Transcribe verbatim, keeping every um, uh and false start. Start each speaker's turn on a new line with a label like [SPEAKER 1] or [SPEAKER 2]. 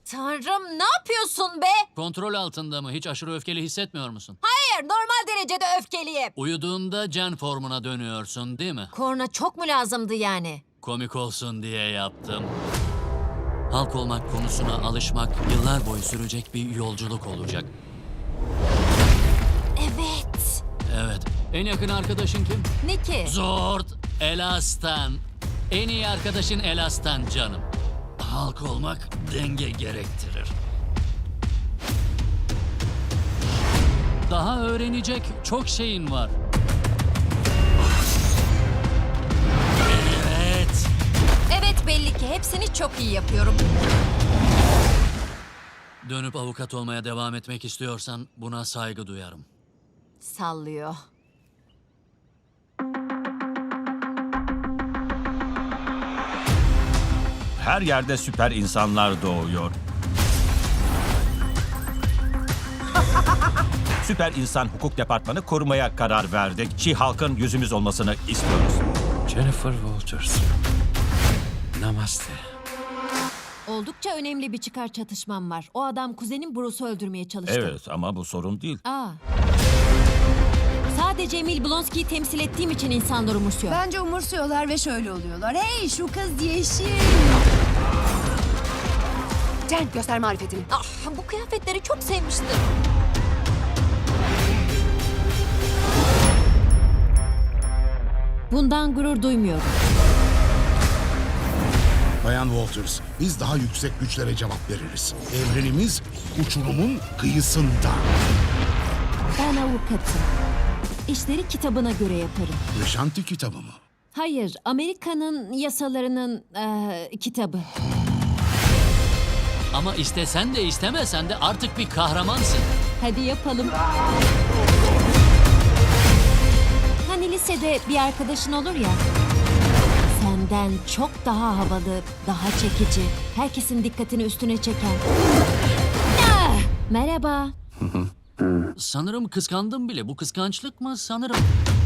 [SPEAKER 1] Tanrım, ne yapıyorsun be?
[SPEAKER 2] Kontrol altında mı? Hiç aşırı öfkeli hissetmiyor musun?
[SPEAKER 1] Hayır, normal derecede öfkeliyim.
[SPEAKER 2] Uyuduğunda Jen formuna dönüyorsun değil mi?
[SPEAKER 1] Korna çok mu lazımdı yani?
[SPEAKER 2] Komik olsun diye yaptım. Halk olmak konusuna alışmak yıllar boyu sürecek bir yolculuk olacak.
[SPEAKER 1] Evet.
[SPEAKER 2] Evet. En yakın arkadaşın kim?
[SPEAKER 1] Ne ki?
[SPEAKER 2] Zord Elastan. En iyi arkadaşın Elastan canım. Halk olmak denge gerektirir. Daha öğrenecek çok şeyin var. Evet.
[SPEAKER 1] Evet, belli ki hepsini çok iyi yapıyorum.
[SPEAKER 2] Dönüp avukat olmaya devam etmek istiyorsan buna saygı duyarım.
[SPEAKER 1] Sallıyor.
[SPEAKER 3] Her yerde süper insanlar doğuyor. Süper İnsan Hukuk Departmanı kurmaya karar verdik. She-Hulk'ın yüzümüz olmasını istiyoruz.
[SPEAKER 4] Jennifer Walters. Namaste.
[SPEAKER 1] Oldukça önemli bir çıkar çatışmam var. O adam kuzenim Bruce'u öldürmeye çalıştı.
[SPEAKER 3] Evet ama bu sorun değil.
[SPEAKER 1] Aa. Sadece Emil Blonsky'yi temsil ettiğim için insanlar umursuyor.
[SPEAKER 5] Bence umursuyorlar ve şöyle oluyorlar. Hey, şu kız yeşil. Jen, göster marifetini.
[SPEAKER 1] Ah, bu kıyafetleri çok sevmiştim. Bundan gurur duymuyorum.
[SPEAKER 6] Bayan Walters, biz daha yüksek güçlere cevap veririz. Evrenimiz uçurumun kıyısında.
[SPEAKER 1] Ben avukatım. İşleri kitabına göre yaparım.
[SPEAKER 6] Yaşantı kitabı mı?
[SPEAKER 1] Hayır, Amerika'nın yasalarının eee, kitabı.
[SPEAKER 2] Ama istesen de istemesen de artık bir kahramansın.
[SPEAKER 1] Hadi yapalım. Hani lisede bir arkadaşın olur ya. Senden çok daha havalı, daha çekici, herkesin dikkatini üstüne çeken. Ah! Merhaba.
[SPEAKER 2] Sanırım kıskandım bile. Bu kıskançlık mı? Sanırım.